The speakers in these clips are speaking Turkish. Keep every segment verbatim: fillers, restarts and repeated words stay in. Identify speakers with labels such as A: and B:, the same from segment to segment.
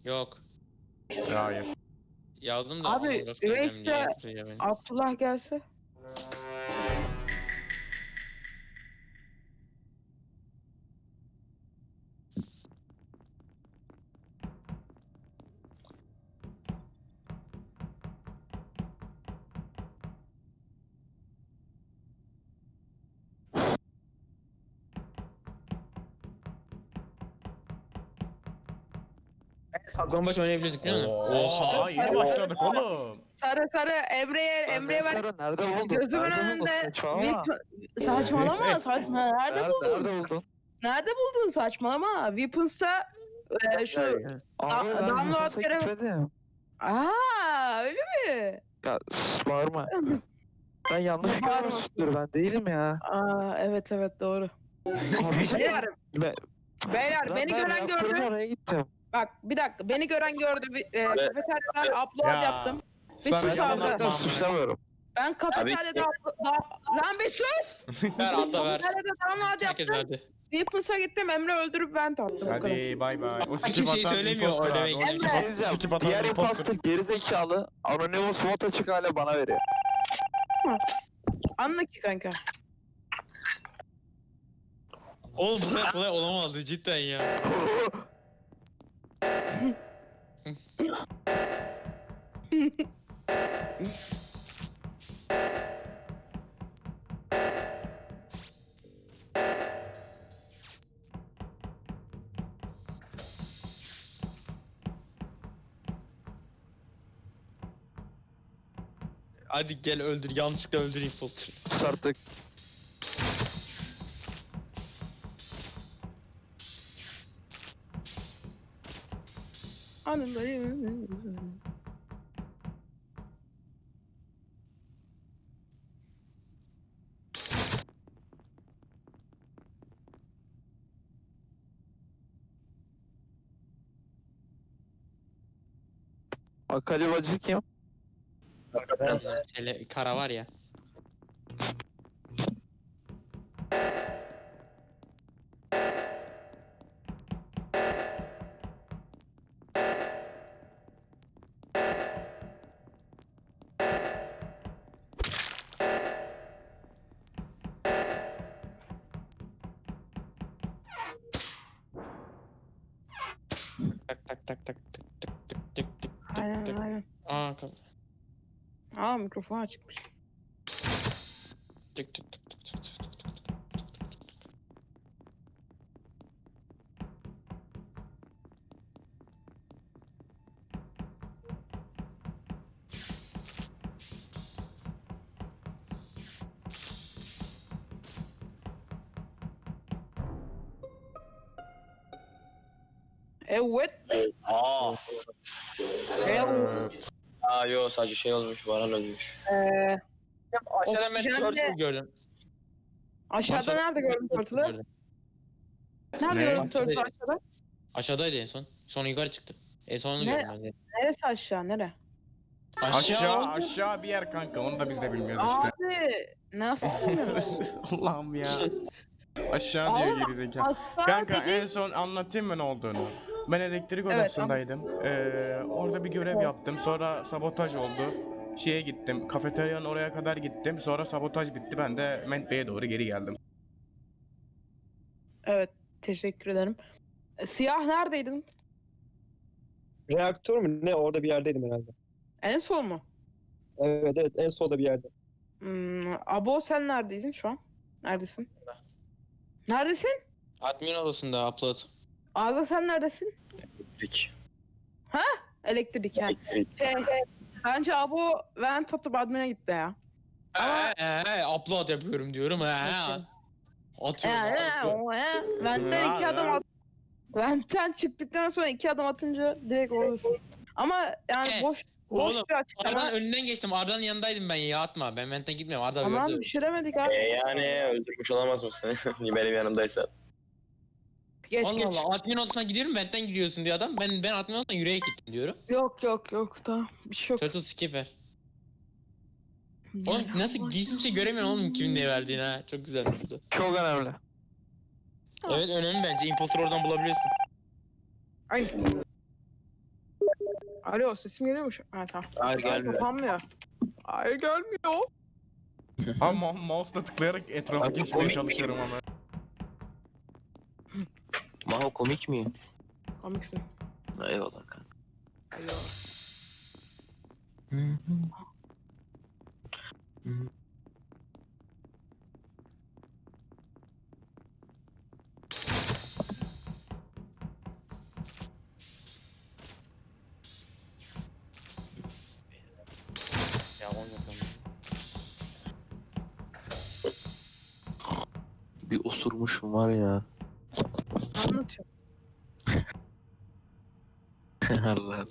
A: Yok.
B: Hayır.
A: Yazdım da
C: Abi,
A: Among Us geleceğim
C: Üveyse-
A: diye yaptırıyor beni.
C: Abdullah gelse.
A: Saklambaç oynayabiliyorduk değil mi?
B: Oha yeni başladık oğlum.
C: Sarı sarı Emre'ye Emre'ye ver.
D: Sonra nerede buldun?
C: Gözümün
D: Nerede buldun?
C: önünde
D: Saçmalama.
C: Weapon... Saçmalama saçma. Nerede
D: Nerede,
C: buldun?
D: nerede buldun?
C: Nerede buldun saçmalama? Weapons'ta e, şu...
D: Abi
C: Da-
D: ben
C: download
D: Yunus'a
C: görev-
D: gitmedim.
C: Aa öyle mi?
D: Ya sus, bağırma. Ben yanlış
C: Bağırma.
D: görmüşsündür, ben değilim ya.
C: Aa evet evet doğru.
D: Abi
C: Beyler,
D: ben,
C: beyler
D: ben,
C: beni
D: ben
C: gören
D: reaktörün
C: gördü.
D: oraya gittim.
C: Bak bir dakika beni gören gördü. Bir, e, kafeteryadan upload
B: Ya.
C: yaptım. Bir
B: Sana
C: sus
B: yalan
C: abi.
B: atma.
D: Ben suçlamıyorum.
C: Ben kafeteryada upload... da- Lan bir sus!
A: Ver Arda ver.
C: Kafeteryada download
A: Herkes
C: yaptım.
A: verdi.
C: Weapons'a gittim Emre öldürüp ben tattım. o kadar.
B: Hadi bay bay. O skip
A: kimseyi
B: atan
A: söylemiyor,
B: imposter
A: o
B: abi.
A: demek.
B: O skip
C: Emre.
B: at-
D: Diyeceğim,
B: skip atan
D: diğer
B: imposter.
D: imposter gerizekalı Anonymous vote açık hale bana veriyor.
C: Anla ki kanka.
A: Oğlum bu kadar kolay olamazdı cidden ya. Hadi gel öldür, yanlışlıkla öldür imposter.
D: Sus artık.
C: Anındayım.
D: Akali bacı kim?
A: Bizim tele, kara var ya. Tak tak tak tak tak tak tak tak tak
C: Aynen
A: tak.
C: aynen.
A: Aa kap.
C: Aa mikrofon açıkmış.
A: Tık tık tık tık tık tık tık tık.
C: Evet.
E: Aa.
C: Evet.
E: Aa yo sadece şey olmuş, Varan ölmüş.
C: Ee,
A: Aşağıdan ben
C: Oksijende-
A: turtle gördüm.
C: aşağıda
A: Aşağıda-
C: nerede gördün turtle'ı?
A: Gördüm.
C: Nerede
B: Ne?
C: gördün turtle'ı aşağıda?
A: Aşağıdaydı en son. Sonra yukarı çıktı. En son onu
C: Ne?
A: gördüm ben de.
C: Neresi aşağı nere?
B: Aşağı
A: oldu.
B: aşağı bir yer kanka, onu da biz de bilmiyoruz işte.
C: Abi nasıl bilmiyoruz?
B: Allah'ım ya. Aşağı diyor
C: Allah,
B: gerizekalı.
C: Aşağı
B: Kanka
C: dediğin-
B: en son anlatayım mı ne olduğunu? Ben elektrik
C: Evet,
B: odasındaydım. Ee, orada bir görev yaptım. Sonra sabotaj oldu. Şeye gittim. Kafeteryanın oraya kadar gittim. Sonra sabotaj bitti. Ben de Mentbey'e doğru geri geldim.
C: Evet teşekkür ederim. E, Siyah neredeydin?
F: Reaktör mü ne? Orada bir yerdeydim herhalde.
C: En son mu?
F: Evet evet en solda bir yerde.
C: Hmm, Abo sen neredeydin şu an? Neredesin? Neredesin?
A: Admin odasında upload.
C: Arda sen neredesin?
E: Elektrik.
C: Elektrik yani.
E: Elektrik.
C: Şey, bence Abo vent atıp admin'e gitti ya. Ama-
A: Eee ee, upload yapıyorum diyorum. Eee. Atıyorum.
C: Yani
A: atıyorum.
C: o ya. Vent'ten iki
B: Ya,
C: adım
B: ya.
C: at. Vent'ten çıktıktan sonra iki adım atınca direkt oradasın. Ama yani
A: E,
C: boş boş
A: Oğlum,
C: bir açıklama.
A: Arda'nın önünden geçtim. Arda'nın yanındaydım ben ya atma. Ben Vent'ten gitmiyorum. Arda
C: Aman
A: gördü.
C: bir şey demedik abi.
E: E yani öldürmüş olamaz mısın? Benim yanımdaysan.
C: Geç
A: Allah
C: geç.
A: Allah. Admin odasına gidiyorum. Vent'ten gidiyorsun diyor adam. Ben ben admin odasına yürüyerek gittim diyorum.
C: Yok yok yok tamam bir şey yok.
A: Turtle skipper.
C: Yani
A: Oğlum nasıl
C: Allah-
A: hiçbir şey göremiyorum oğlum kimin ne verdiğini ha. Çok güzel oldu.
D: Çok önemli.
A: Evet önemli bence. Imposter oradan bulabilirsin.
C: Ay. Alo sesim geliyor mu? şu- Ha tamam.
E: Hayır
C: Ay,
E: gelmiyor.
C: kapanmıyor. Hayır gelmiyor.
B: Ha ma- mouse'la tıklayarak etrafı
E: Abi,
B: geçmeye
E: komik
B: çalışıyorum ama.
E: Maho komik mi?
C: Komiksin.
E: Eyvallah kanka.
C: Alo.
A: Ya on yapalım.
E: Bir osurmuşum var ya.
C: Anlatıyor.
E: Allah'ım.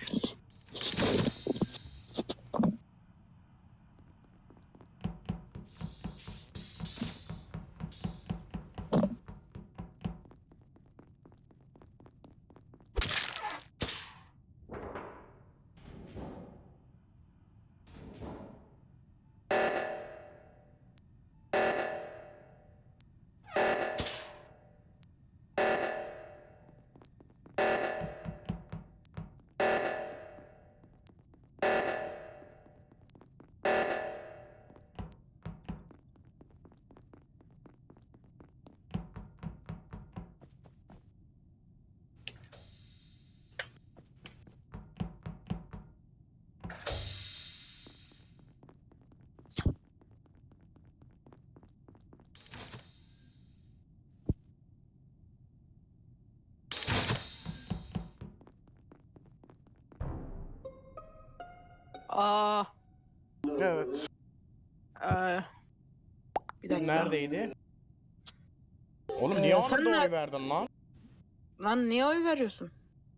C: Aa.
B: Evet.
C: Ee, bir dakika.
B: Neredeydi? Oğlum niye
C: Ee,
B: ona
C: sen
B: da
C: ner-
B: oy verdin lan?
C: Lan niye oy veriyorsun?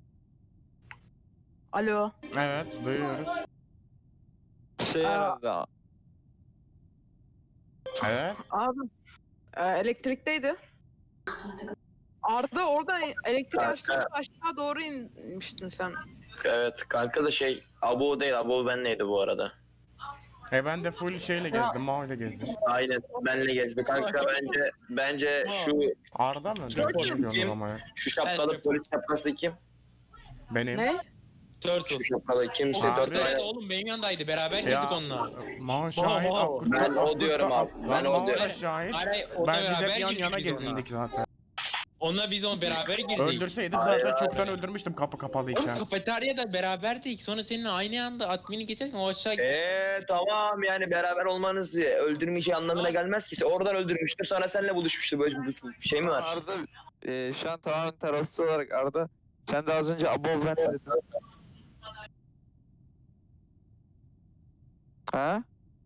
C: Alo.
B: Evet, duyuyoruz.
D: Şey
C: Aa.
D: herhalde.
B: Evet.
C: Abi. e, elektrikteydi. Arda orada elektrik
E: Kanka.
C: açtığında aşağı doğru inmiştin sen.
E: Evet kanka da şey Abo değil Abo benleydi bu arada.
B: E ben de full şeyle gezdim, Mao ile gezdim.
E: Aynen benle gezdi kanka bence bence şu
B: Arda mı?
C: Çok
B: Ne
E: kim?
B: diyorsun ama ya?
E: şu şapkalı
A: Evet.
E: polis şapkası kim?
B: Benim.
C: Ne?
A: Turtle.
E: Şu şapkalı kimse
B: Abi.
E: dört
A: Evet
E: tane.
A: oğlum benim yanındaydı. Beraber girdik
B: Ya
A: onunla.
B: Mao şahit,
A: Mao.
B: Akkurt
E: Ben o
B: Akkurt
E: diyorum
B: da-
E: abi, ben
B: Lan
E: o
B: Mao da
E: diyorum.
B: şahit.
A: Hayır, onunla
B: Ben biz
A: beraber
B: hep yan
A: girdik
B: yana
A: biz onunla.
B: gezindik zaten.
A: Onunla biz onu beraber girdik.
B: Öldürseydim
E: Hayır,
B: zaten
E: hayır.
B: çoktan öldürmüştüm kapı
A: Oğlum
B: kapalıyken.
A: kafeteryada beraberdik. Sonra seninle aynı anda admini geçerken o aşağı
E: Eee tamam yani beraber olmanız öldürmeyeceği anlamına gelmez ki. Oradan öldürmüştür sonra seninle buluşmuştur. Böyle bir bir şey mi var?
D: Arda e, şu an tamamen tarafsız olarak Arda. Sen de az önce abo ben dedin. Ha?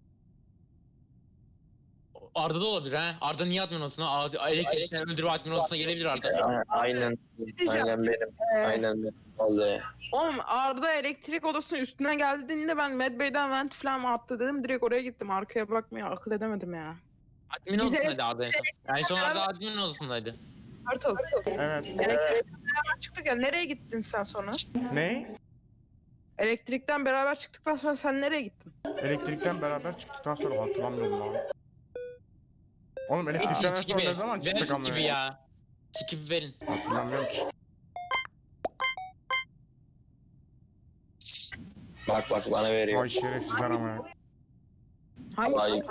A: Arda da olabilir ha. Arda niye admin olsun ha? Arda- Elektrikten öldürme admin olsun gelebilir Arda.
E: A- Aynen.
C: diyeceğim.
E: Aynen benim.
C: Ee,
E: Aynen benim. Vallahi.
C: Oğlum Arda elektrik odasının üstüne geldiğinde ben Medbay'den vent falan attı dedim. Direkt oraya gittim. Arkaya bakmaya akıl edemedim ya.
A: Admin
C: Biz
A: olsundaydı Arda en son. En son Arda admin olsundaydı.
C: Turtle.
B: Evet.
C: Elektrikten beraber çıktık ya. Nereye gittin sen sonra?
B: Ne?
C: Elektrikten beraber çıktıktan sonra sen nereye gittin?
B: Elektrikten beraber çıktıktan sonra hatırlamıyorum abi. Oğlum elektrikten en
A: Skip
B: son ne
A: gibi.
B: zaman
A: Ver
B: çıktık ama
A: gibi ya. Skip verin.
B: Hatırlamıyorum ki.
E: Bak bak bana veriyor.
B: Vay şerefsizler ama ya.
C: Hangi?
E: Hayır.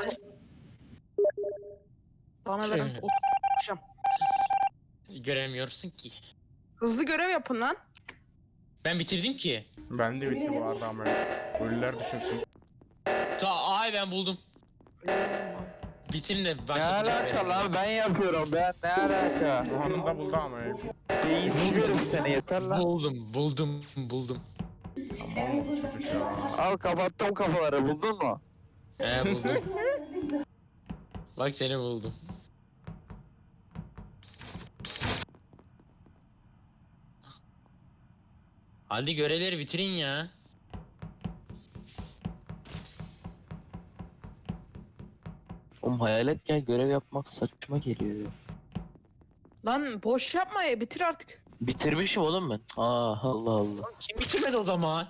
C: Bana verin.
A: Evet.
C: Oturacağım.
A: Göremiyorsun ki.
C: Hızlı görev yapın lan.
A: Ben bitirdim ki.
B: Ben de bitti bu arada ama ya. Ölüler düşünsün.
A: Ta ay ben buldum. Bitim de
D: Ne
A: başladım.
D: alaka lan ben yapıyorum ben ne alaka?
B: Anında buldu ama ya.
D: Beyinsiz herif seni yeter lan.
A: Buldum, buldum, buldum.
B: Aman bu çocuk ya.
D: Al kapattım kafaları buldun mu?
A: He buldum. Bak seni buldum. Hadi görevleri bitirin ya.
E: Oğlum hayalet gel görev yapmak saçma geliyor ya.
C: Lan boş yapma ya. Bitir artık.
E: Bitirmişim oğlum ben. Aa Allah Allah.
A: Kim bitirmedi o zaman?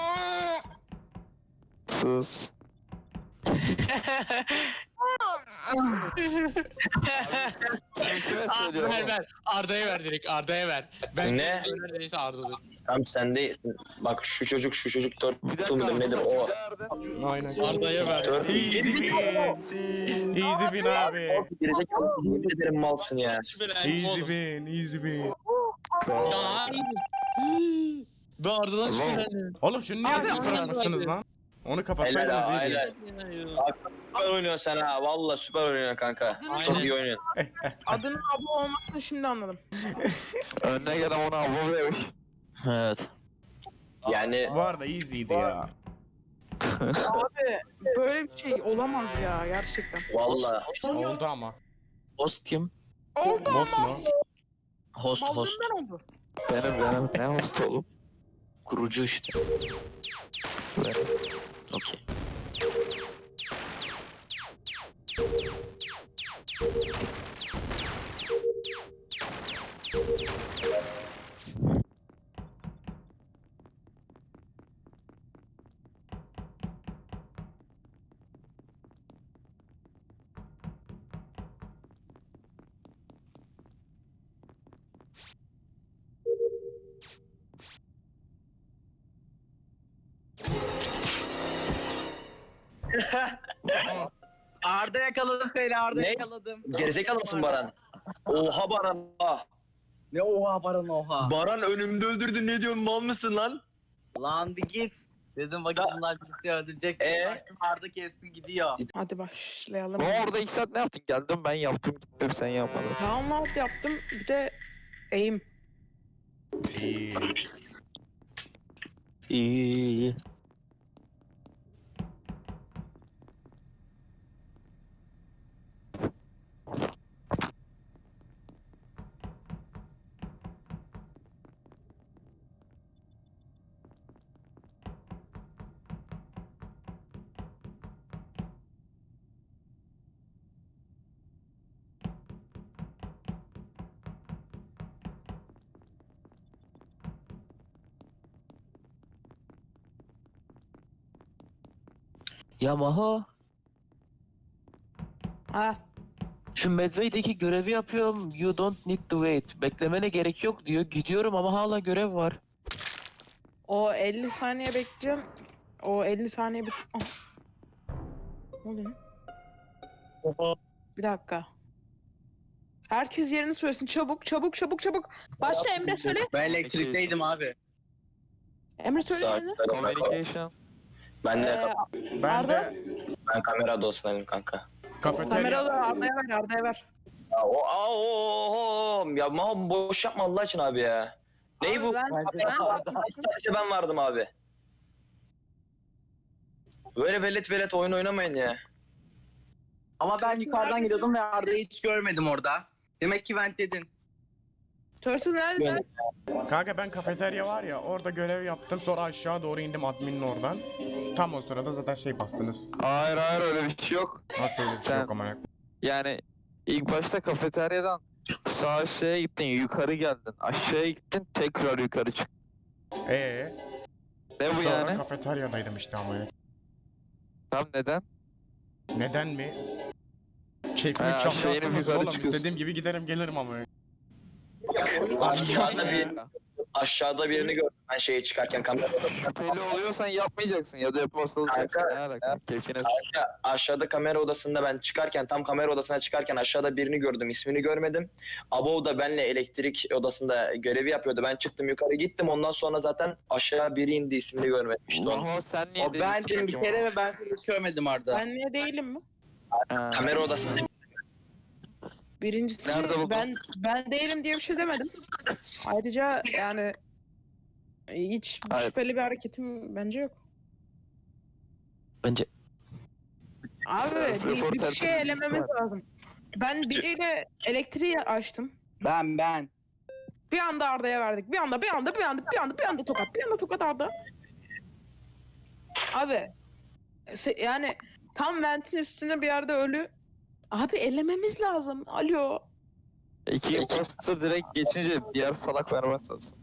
D: Sus. Kime
A: Ah,
D: söylüyorum?
A: ver ver. Arda'ya ver direkt. Arda'ya ver. Ben
E: Ne?
A: Neredeyse Arda'dır.
E: Tamam sen değilsin. Bak şu çocuk şu çocuk dört
D: Bir dakika.
E: mudur nedir o?
B: Aynen.
A: Arda'ya ver.
E: Dört
B: Easy win. Easy win abi.
E: Gerizekalı yemin ederim malsın ya.
B: Easy win. Easy win.
A: Ya. Ben Arda'dan şüphelendim.
B: Oğlum şunu niye
C: Abi,
B: açık bırakmışsınız lan? Onu
E: Helal
B: kapatsaydınız
E: ha
B: iyiydi.
E: helal. Süper oynuyorsun sen ha. Valla süper oynuyorsun kanka.
C: Aynen.
E: Çok iyi oynuyorsun.
C: Adının Abo olmasını şimdi anladım.
D: Önüne gelen ona abo vermiş.
G: Evet.
E: Yani
B: Bu arada easy'ydi ya.
C: Abi böyle bir şey olamaz ya gerçekten.
E: valla.
B: Oldu ama.
G: Host kim?
C: Oldu
B: Boss mu?
G: Host host.
C: Baldırından oldu.
D: Benim benim. Ne host oğlum?
G: Kurucu işte.
D: Benim.
G: Okey.
H: Arda yakaladım seni, Arda
E: Ne?
H: yakaladım.
E: Gerizekalı mısın Baran? Oha Baran. Ah.
H: Ne oha Baran oha.
E: Baran önümde öldürdün ne diyorsun mal mısın lan?
H: Lan bir git. Dedim bakayım
E: Da-
H: bunlar birisi öldürecek.
E: Ee?
H: Baktım Arda kesti gidiyor.
C: Hadi başlayalım.
D: Ama orada iki saat ne yaptın? Geldim ben yaptım gittim sen yapmadın.
C: Download yaptım bir de aim.
B: İyi.
G: İyi iyi iyi. Ya Maho,
C: Ha
G: şu Medway'deki görevi yapıyorum. You don't need to wait. Beklemene gerek yok diyor. Gidiyorum ama hala görev var.
C: o elli saniye bekleyeceğim. O elli saniye bit... Ah. Ne oluyor? Bir dakika. Herkes yerini söylesin. Çabuk, çabuk, çabuk, çabuk. Başla Emre söyle.
H: Ben elektrikteydim abi.
C: Emre söyle yerini.
E: Sakin.
D: Communication.
E: Ben de
C: Ee,
B: Ben
C: Arda?
B: de
E: ben kamera odasındayım kanka.
B: kafeterya...
C: Kameraları Arda'ya ver, Arda'ya ver.
E: Ya, o, aa, o, o, ya ma boş yapma Allah için abi ya. Neyi
C: Abi
E: bu?
C: Ben,
H: Bence
C: ben,
H: Arda.
E: Sadece ben vardım abi. Böyle velet velet oyun oynamayın ya.
H: Ama ben yukarıdan gidiyordum ve Arda'yı hiç görmedim orada. Demek ki vent dedin.
C: Turtle neredesin?
B: Kanka ben kafeterya var ya orada görev yaptım sonra aşağı doğru indim adminin oradan. Tam o sırada zaten şey bastınız.
D: Hayır hayır öyle bir şey yok.
B: Nasıl öyle bir şey
D: Sen-
B: yok ama.
D: Yani ilk başta kafeteryadan sağ aşağıya gittin yukarı geldin. Aşağıya gittin tekrar yukarı çık.
B: Eee?
D: Ne bu
B: Sonra
D: yani?
B: kafeteryadaydım işte ama.
D: Tam neden?
B: Neden mi? Keyfimi
D: Ha, aşağı
B: çalmıyorsunuz
D: inip yukarı
B: oğlum.
D: çıkıyorsun.
B: İstediğim gibi giderim gelirim ama.
E: Aşağıda bir aşağıda birini gördüm ben şeye çıkarken kamera odasına.
D: Şüpheli oluyorsan yapmayacaksın ya da yapmazsan olacaksın.
E: Kanka,
D: Ne alaka? Keyfine
E: Kanka, aşağıda kamera odasında ben çıkarken tam kamera odasına çıkarken aşağıda birini gördüm ismini görmedim. Abo da benle elektrik odasında görevi yapıyordu. Ben çıktım yukarı gittim ondan sonra zaten aşağı biri indi ismini görmedim işte onu.
D: Maho sen niye
H: O bendim
D: değilsin
H: bir
D: ki
H: kere
D: Maho?
H: ve ben seni hiç görmedim Arda.
C: Ben niye değilim mi?
D: Ha.
E: Kamera odasında
C: Birincisi
D: Nerede buldun?
C: ben ben değilim diye bir şey demedim. Ayrıca yani hiç
D: Hayır.
C: şüpheli bir hareketim bence yok.
G: Bence
C: Abi
D: Self
C: bir,
D: report
C: bir şey
D: tertemiz
C: elememiz
D: var.
C: lazım. Ben biriyle elektriği açtım.
H: Ben ben.
C: Bir anda Arda'ya verdik. Bir anda, bir anda, bir anda, bir anda, bir anda tokat. Bir anda tokat Arda. Abi se- yani tam ventin üstünde bir yerde ölü. Abi elememiz lazım. Alo.
D: İki imposter direkt geçince diğer salak vermezsiniz.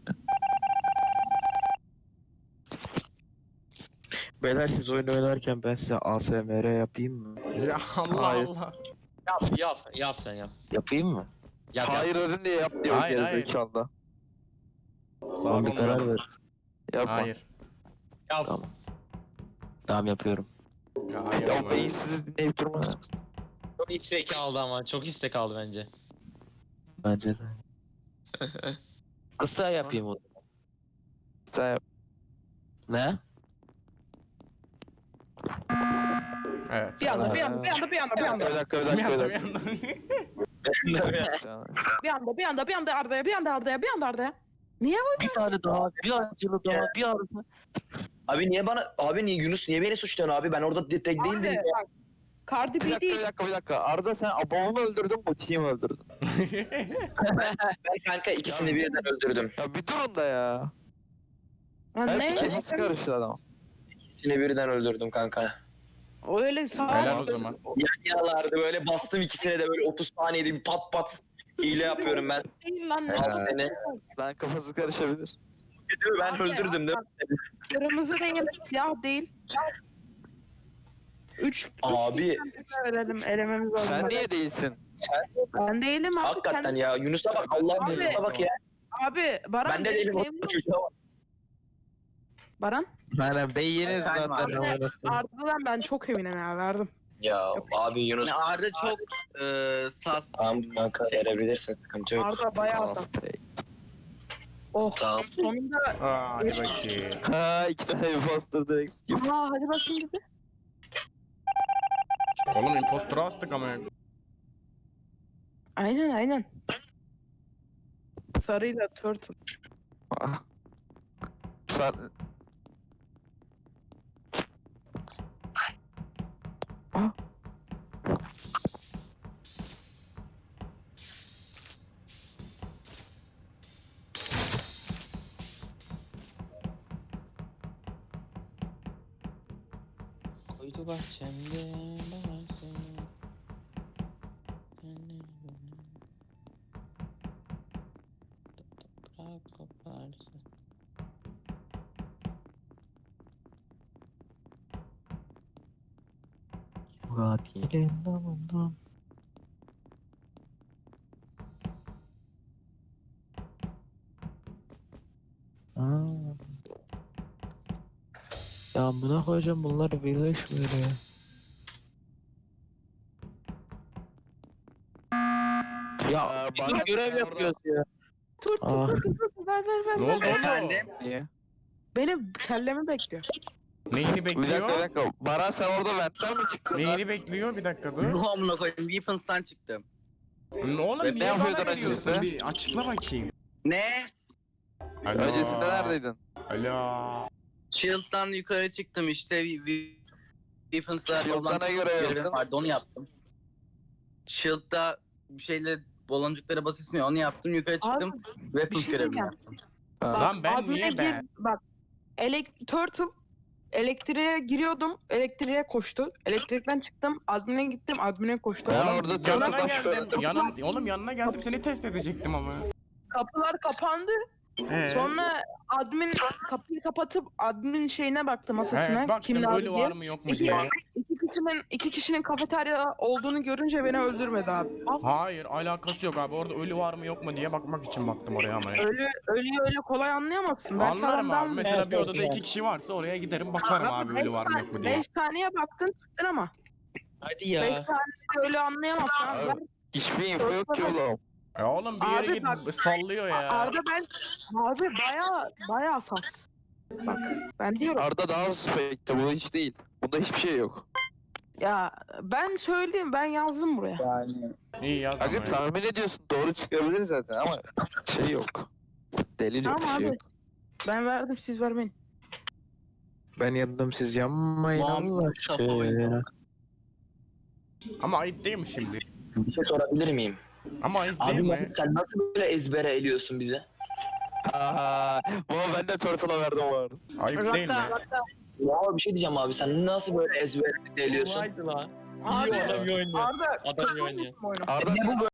G: beyler siz oyun oynarken ben size A S M R yapayım mı?
B: Ya Allah
D: Hayır.
B: Allah.
A: Yap yap yap sen yap.
G: Yapayım mı?
A: Yap yap.
D: Hayır dedin diye yap diyor
B: Hayır, hayır.
D: gerizekalı.
G: Tamam bir karar ver.
D: Yapma.
B: Hayır.
A: Yap.
G: Tamam. Tamam yapıyorum.
B: Ya hayır.
D: Ya
B: ama.
D: beyinsiz dinleyip durma.
A: Çok istek aldı ama çok istek aldı bence.
G: Bence de. Kısa yapayım o zaman.
D: Sen yap.
G: Ne?
B: Evet.
C: Bir anda, bir anda, bir anda, bir anda, bir anda.
D: Bir dakika bir
B: Bir
D: dakika
B: anda
D: bir
B: bir
D: dakika.
B: anda.
C: Bir anda, bir anda, bir anda Arda'ya, bir anda Arda'ya, bir anda Arda'ya. Niye
G: Bir tane daha, bir acılı daha, bir arası.
E: Abi niye bana abi niye Yunus niye beni suçluyorsun abi? Ben orada tek değildim.
C: Abi
E: ya.
C: bak. Cardi
D: Bir
C: B
D: dakika
C: değil.
D: bir dakika bir dakika. Arda sen Abon'u öldürdün bu team öldürdün.
E: Ben kanka ikisini birden öldürdüm.
D: Ya bir durun da ya.
C: Lan
D: Hep
C: ne?
D: kafası karıştı adam.
E: İkisini birden öldürdüm kanka.
C: Öyle sağ
B: Helal o zaman.
E: Yan yanalardı böyle bastım ikisine de böyle otuz saniyede bir pat pat hile yapıyorum ben.
C: değil lan. Ne?
E: Al seni.
D: Lan kafası karışabilir.
E: Ben
C: Abi,
E: öldürdüm değil mi?
C: Kırmızı değil, siyah değil. Üç,
E: Abi
C: üç verelim, elememiz lazım.
D: Sen niye değilsin?
C: Ben değilim abi.
E: hakikaten
C: Sen-
E: ya Yunus'a bak Allah'ım
C: Abi.
E: Yunus'a bak ya.
C: Abi, Baran
E: Ben de
C: benim
E: değilim
C: memnun-
E: o çocuğa bak.
C: Baran,
G: Aynen beyiniz
H: Efendim
G: zaten.
H: abi.
G: amına.
C: Arda'dan ben çok eminim ya, verdim.
E: Ya abi Yunus.
H: Yani Arda çok e, sas.
E: Tamam kanka verebilirsin sıkıntı yok.
C: Arda bayağı saf. Oh,
E: Tamam.
C: sonunda.
B: Aa, hadi bakayım.
D: Ha iki tane imposter direkt skip.
C: Aa, hadi bakayım dedi.
B: Oğlum impostora astık ama.
C: Aynen, aynen. Sarıyla turtle.
D: Ah. Sen... Ah.
A: Koydu bahçemde bahçe. Bırak koparsın.
G: Murat yelin damından. Aa. Ya buna koyacağım bunlar birleşmiyor ya. Ya
D: Aa,
G: bir
D: bana-
G: dur görev
D: orada-
G: yapıyoruz ya.
C: Turtle,
G: Aa.
C: turtle, turtle, ver, ver, ver.
B: Ne
C: ver.
B: oldu oğlum?
H: Efendim?
D: Niye?
C: Benim kellemi bekliyor.
B: Neyini
D: Bir dakika
B: bekliyor?
D: bir dakika. Baran sen orada ventten mi çıktın?
B: Neyini bekliyor? Bir dakika dur.
H: Ruh amına koyayım. Weapons'tan çıktım.
B: Oğlum
D: Ne
B: niye
D: yapıyordun
B: bana veriyorsun?
D: öncesinde?
B: Bir açıkla bakayım.
H: Ne?
B: Alo.
D: Öncesinde neredeydin?
B: Alo.
H: Shield'dan yukarı çıktım işte. we- we- Weapons'la
D: Shield'dan ne görev
H: görevim
D: yaptın?
H: vardı onu yaptım. Shield'da bir şeyle baloncuklara basıyorsun ya onu yaptım yukarı çıktım.
C: bir
H: Weapons
C: şey
H: görevini
C: diyeceğim.
H: yaptım.
C: Bak,
B: Lan ben
C: admin'e
B: niye
C: gir-
B: ben?
C: Bak, elek Turtle elektriğe giriyordum, elektriğe koştu. Elektrikten çıktım, admin'e gittim, admin'e koştu.
D: Ya
C: Oğlum,
D: orada
B: Yanına
D: Turtle baş
B: geldim.
D: gördüm.
B: Yanın, oğlum yanına geldim seni test edecektim ama.
C: kapılar kapandı.
B: Ee,
C: Sonra admin kapıyı kapatıp admin şeyine baktı, masasına.
B: evet, baktım
C: Kimler
B: ölü
C: diye.
B: var mı yok mu
C: İki,
B: diye.
C: iki kişinin iki kişinin kafeterya olduğunu görünce beni öldürmedi abi. Az
B: Hayır alakası yok abi orada ölü var mı yok mu diye bakmak için baktım oraya ama.
C: ölü ölüyü öyle kolay anlayamazsın. Belki
B: Anlarım
C: adam
B: abi
C: ben
B: mesela bir odada iki kişi varsa oraya giderim bakarım abi ölü var mı yok mu diye.
C: beş saniye baktın çıktın ama.
A: Hadi
C: beş
A: ya.
C: saniye öyle anlayamazsın abi. Ben-
D: Hiçbir info yok ki oğlum.
B: Ya oğlum bir yere
C: Abi
B: git
C: bak-
B: sallıyor ya.
C: Arda ben abi baya baya sas. Bak ben diyorum
D: Arda daha suspekti bu hiç değil. Bunda hiçbir şey yok.
C: ya ben söyleyeyim ben yazdım buraya.
H: Yani
B: İyi yaz ama
D: Aga
B: ya.
D: tahmin ediyorsun doğru çıkabilir zaten ama şey yok. Delil yok bir
C: Tamam
D: şey
C: abi.
D: yok.
C: Ben verdim siz vermeyin.
G: Ben yandım siz yanmayın
H: Muhammed
G: Allah
H: Mustafa oynuyor.
G: aşkına.
B: Ama ayıp değil mi şimdi?
E: Bir şey sorabilir miyim?
B: Ama ayıp değil
E: Abi
B: mi?
E: Mahmut, sen nasıl böyle ezbere eliyorsun bizi?
D: Aha, bu ben de Turtle'a verdim bu arada.
B: Ayıp değil mi?
E: Ya bir şey diyeceğim abi sen nasıl böyle ezbere bizi eliyorsun?
A: Kolaydı lan.
C: Abi
A: İyi adam iyi oynuyor.
C: Arda
A: Adam iyi oynuyor.
C: oyunu.
D: Arda
E: Ne bu